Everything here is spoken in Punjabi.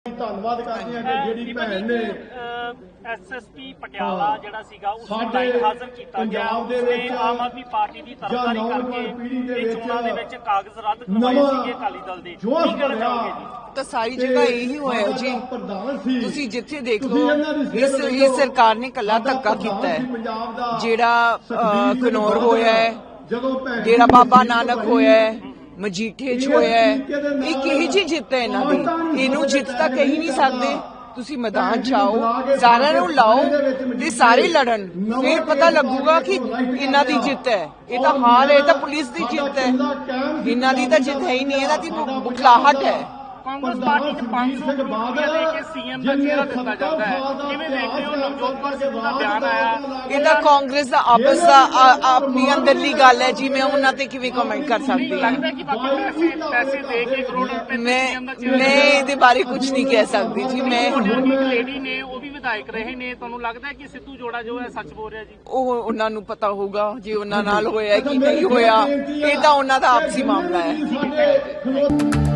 ਧੰਨਵਾਦ ਕਰਦੇ ਹਾਂ ਕਿ ਜਿਹੜੀ ਭੈਣ ਨੇ ਐਸਐਸਪੀ ਪਟਿਆਲਾ ਜਿਹੜਾ ਸੀਗਾ ਉਸ ਨੂੰ ਲਾਈਨ ਹਾਜ਼ਰ ਕੀਤਾ ਗਿਆ। ਉਸਨੇ ਆਮ ਆਦਮੀ ਪਾਰਟੀ ਦੀ ਤਰਫਦਾਰੀ ਕਰਕੇ ਇਹ ਚੋਣਾਂ ਦੇ ਵਿੱਚ ਕਾਗਜ਼ ਰੱਦ ਕਰਵਾਏ ਸੀਗੇ ਅਕਾਲੀ ਦਲ ਦੇ। ਕੀ ਕਹਿਣਾ ਚਾਹੋਗੇ ਜੀ? ਤਾਂ ਸਾਰੀ ਜਗ੍ਹਾ ਇਹੀ ਹੋਇਆ ਜੀ। ਤੁਸੀਂ ਜਿੱਥੇ ਦੇਖ ਲਓ ਇਸ ਸਰਕਾਰ ਨੇ ਕੱਲਾ ਧੱਕਾ ਕੀਤਾ ਹੈ। ਜਿਹੜਾ ਘਨੌਰ ਹੋਇਆ ਹੈ, ਜਿਹੜਾ ਬਾਬਾ ਨਾਨਕ ਹੋਇਆ ਹੈ, ਮਜੀਠੇ ਚ ਹੋਇਆ ਹੈ, ਇਹ ਕਿਹੀ ਜਿਹੀ ਜਿੱਤ ਹੈ ਇਹਨਾਂ ਦੀ। ਇਹਨੂੰ ਜਿੱਤ ਤਾਂ ਕਹੀ ਨਹੀਂ ਸਕਦੇ। ਤੁਸੀਂ ਮੈਦਾਨ ਚ ਆਓ, ਸਾਰਿਆਂ ਨੂੰ ਲਾਓ ਤੇ ਸਾਰੇ ਲੜਨ, ਫਿਰ ਪਤਾ ਲੱਗੂਗਾ ਕਿ ਇਹਨਾਂ ਦੀ ਜਿੱਤ ਹੈ। ਇਹ ਤਾਂ ਹਾਰ ਹੈ, ਇਹ ਤਾਂ ਪੁਲਿਸ ਦੀ ਜਿੱਤ ਹੈ। ਇਹਨਾਂ ਦੀ ਤਾਂ ਜਿੱਤ ਹੈ ਹੀ ਨਹੀਂ, ਇਹਨਾਂ ਦੀ ਬੁਖਲਾਹਟ ਹੈ। ਕਾਂਗਰਸ ਪਾਰਟੀ ਚ 500 ਕਰੋੜ ਦੇ ਕੇ ਸੀਐਮ ਦਾ ਚਿਹਰਾ ਦਿੱਤਾ ਜਾਂਦਾ ਹੈ। ਕਿਵੇਂ ਦੇਖਦੇ ਹੋ ਨਵਜੋਤ ਕੌਰ ਸਿੱਧੂ ਦਾ ਬਿਆਨ ਆਇਆ? ਇਹ ਤਾਂ ਕਾਂਗਰਸ ਦਾ ਆਪਸ ਦਾ ਆਪਣੀ ਅੰਦਰਲੀ ਗੱਲ ਹੈ ਜੀ। ਮੈਂ ਉਹਨਾਂ ਤੇ ਕਿਵੇਂ ਕਮੈਂਟ ਕਰ ਸਕਦੀ ਹਾਂ? ਲੱਗਦਾ ਕਿ ਬਾਕੀ ਪੈਸੇ ਦੇ ਕੇ ਕਰੋੜ ਰੁਪਏ ਮੈਂ ਇਹਦੇ ਬਾਰੇ ਕੁਝ ਨਹੀਂ ਕਹਿ ਸਕਦੀ ਜੀ। ਮੈਂ ਇੱਕ ਲੇਡੀ ਨੇ, ਉਹ ਵੀ ਵਿਧਾਇਕ ਰਹੇ ਨੇ, ਤੁਹਾਨੂੰ ਲੱਗਦਾ ਕਿ ਸਿੱਧੂ ਜੋੜਾ ਜੋ ਹੈ ਸੱਚ ਬੋਲ ਰਿਹਾ ਜੀ? ਉਹ ਉਹਨਾਂ ਨੂੰ ਪਤਾ ਹੋਊਗਾ ਜੇ ਉਹਨਾਂ ਨਾਲ ਹੋਇਆ ਕਿ ਨਹੀਂ ਹੋਇਆ। ਇਹ ਤਾਂ ਉਹਨਾਂ ਦਾ ਆਪਸੀ ਮਾਮਲਾ ਹੈ।